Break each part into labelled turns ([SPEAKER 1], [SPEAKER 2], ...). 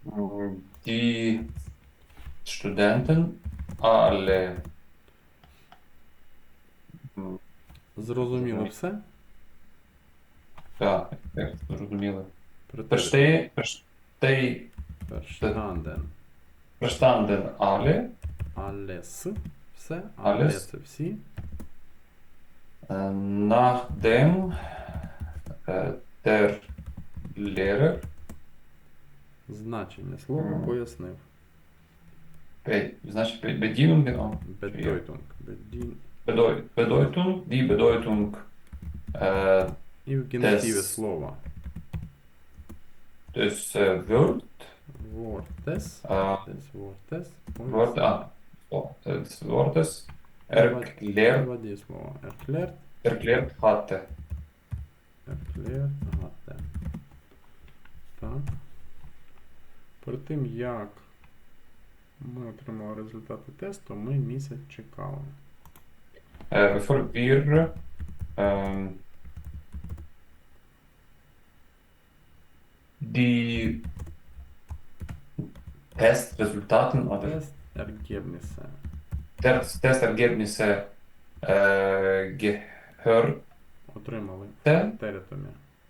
[SPEAKER 1] Die Studenten alle. м,
[SPEAKER 2] Зрозуміло все?
[SPEAKER 1] Так, як зрозуміло.
[SPEAKER 2] Претерит. Verstanden.
[SPEAKER 1] Verstanden alle.
[SPEAKER 2] Alles. Все. Але
[SPEAKER 1] Alles.
[SPEAKER 2] це всі.
[SPEAKER 1] Nachdem der Lehrer
[SPEAKER 2] Значення слова пояснив.
[SPEAKER 1] значить Bedienungen,
[SPEAKER 2] Bedeutung.
[SPEAKER 1] Bedeutung, die Bedeutung
[SPEAKER 2] І в кінці
[SPEAKER 1] Des.
[SPEAKER 2] слова.
[SPEAKER 1] des Wort,
[SPEAKER 2] Wortes.
[SPEAKER 1] äh,
[SPEAKER 2] Des Wortes.
[SPEAKER 1] Wort, des Wortes
[SPEAKER 2] Два дієслова.
[SPEAKER 1] erklärt hatte.
[SPEAKER 2] Erklärt hatte. Так. Перед тим, як ми отримали результати тесту, ми місяць чекали.
[SPEAKER 1] Bevor wir die Testresultaten oder
[SPEAKER 2] Testergebnisse.
[SPEAKER 1] Testergebnisse gehört.
[SPEAKER 2] Отримали
[SPEAKER 1] Те?
[SPEAKER 2] теретомі.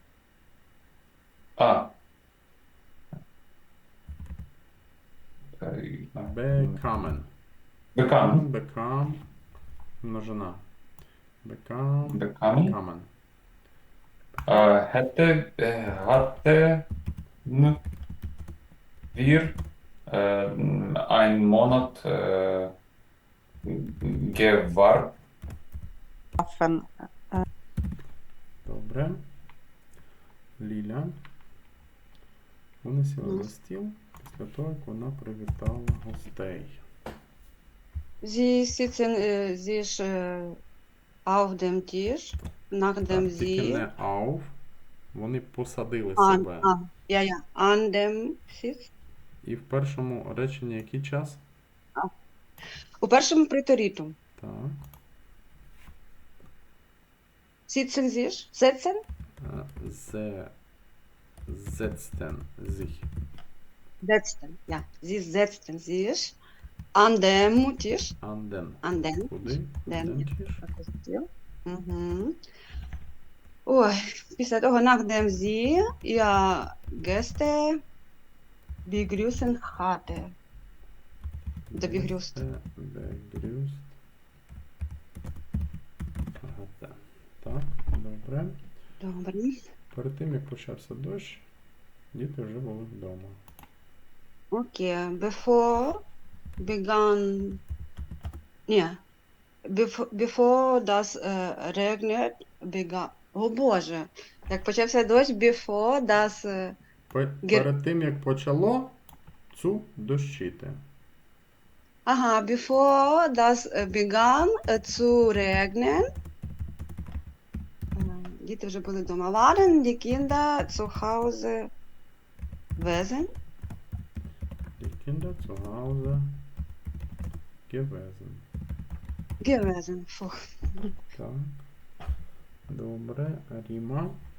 [SPEAKER 2] Bekommen.
[SPEAKER 1] Bekommen.
[SPEAKER 2] Become. Множина. Become.
[SPEAKER 1] Bekommen.
[SPEAKER 2] Bekommen.
[SPEAKER 1] Hatten wir einen Monat gewartet.
[SPEAKER 2] Добре. Ліля. Вони сіли за стіл після того, як вона привітала гостей.
[SPEAKER 3] Sie sitzen sich auf dem Tisch, nachdem
[SPEAKER 2] Так, тільки
[SPEAKER 3] sie
[SPEAKER 2] не auf. Вони посадили
[SPEAKER 3] an,
[SPEAKER 2] себе.
[SPEAKER 3] an dem Sitz.
[SPEAKER 2] І в першому реченні який час?
[SPEAKER 3] У першому приторіту.
[SPEAKER 2] Так.
[SPEAKER 3] Sitzen sich, setzen,
[SPEAKER 2] Ze setzten sich.
[SPEAKER 3] setzten, ja. Sie setzten sich an dem Tisch,
[SPEAKER 2] An den.
[SPEAKER 3] an den,
[SPEAKER 2] Куди?
[SPEAKER 3] Den.
[SPEAKER 2] Den Tisch.
[SPEAKER 3] Угу. Ой, після того, nachdem sie ihr Gäste begrüßen hatte. Де begrüßt.
[SPEAKER 2] Begrüßt. Hatte. Так, добре.
[SPEAKER 3] Добре.
[SPEAKER 2] Перед тим, як почався дощ, діти вже були вдома.
[SPEAKER 3] Okay, bevor begann, ja, bevor das regnet, begann, о Боже, як почався дощ, before das,
[SPEAKER 2] Перед тим, як почало дощити.
[SPEAKER 3] ага, bevor das begann zu regnen, діти вже були вдома, waren die Kinder zu Hause gewesen?
[SPEAKER 2] Die Kinder zu Hause gewesen.
[SPEAKER 3] Gewesen, фух.
[SPEAKER 2] Так. Добре. Ріма.